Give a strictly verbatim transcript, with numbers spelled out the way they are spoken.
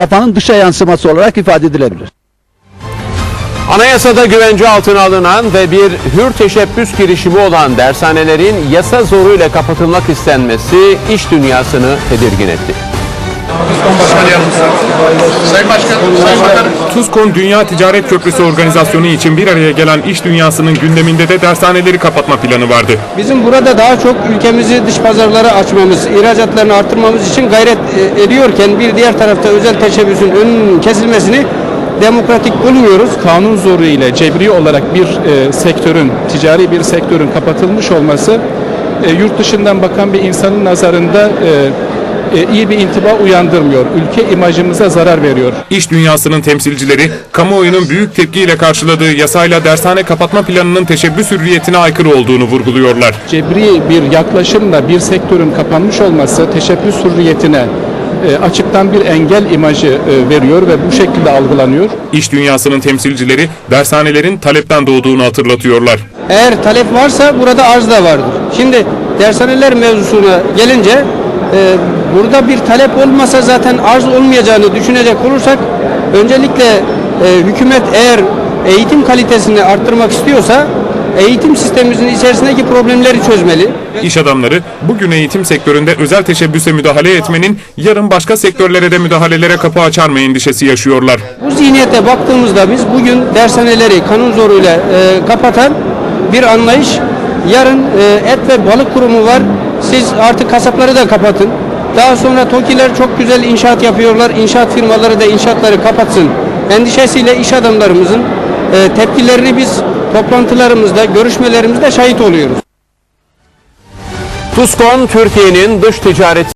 yapanın dışa yansıması olarak ifade edilebilir. Anayasada güvence altına alınan ve bir hür teşebbüs girişimi olan dershanelerin yasa zoruyla kapatılmak istenmesi iş dünyasını tedirgin etti. Sayın Başkan, Sayın Bakanım. TUSKON Dünya Ticaret Köprüsü organizasyonu için bir araya gelen iş dünyasının gündeminde de dershaneleri kapatma planı vardı. Bizim burada daha çok ülkemizi dış pazarlara açmamız, ihracatlarını artırmamız için gayret ediyorken bir diğer tarafta özel teşebbüsün önünün kesilmesini demokratik bulmuyoruz. Kanun zoru ile cebri olarak bir e, sektörün, ticari bir sektörün kapatılmış olması e, yurt dışından bakan bir insanın nazarında e, e, iyi bir intiba uyandırmıyor. Ülke imajımıza zarar veriyor. İş dünyasının temsilcileri kamuoyunun büyük tepkiyle karşıladığı yasayla dershane kapatma planının teşebbüs hürriyetine aykırı olduğunu vurguluyorlar. Cebri bir yaklaşımla bir sektörün kapanmış olması teşebbüs hürriyetine açıktan bir engel imajı veriyor ve bu şekilde algılanıyor. İş dünyasının temsilcileri dershanelerin talepten doğduğunu hatırlatıyorlar. Eğer talep varsa burada arz da vardır. Şimdi dershaneler mevzusuna gelince e, burada bir talep olmasa zaten arz olmayacağını düşünecek olursak öncelikle e, hükümet eğer eğitim kalitesini arttırmak istiyorsa eğitim sistemimizin içerisindeki problemleri çözmeli. İş adamları bugün eğitim sektöründe özel teşebbüse müdahale etmenin yarın başka sektörlere de müdahalelere kapı açar mı endişesi yaşıyorlar. Bu zihniyete baktığımızda biz bugün dershaneleri kanun zoruyla e, kapatan bir anlayış, yarın e, et ve balık kurumu var, siz artık kasapları da kapatın. Daha sonra TOKİ'ler çok güzel inşaat yapıyorlar, inşaat firmaları da inşaatları kapatsın endişesiyle iş adamlarımızın e, tepkilerini biz toplantılarımızda, görüşmelerimizde şahit oluyoruz. TUSKON, Türkiye'nin dış ticaret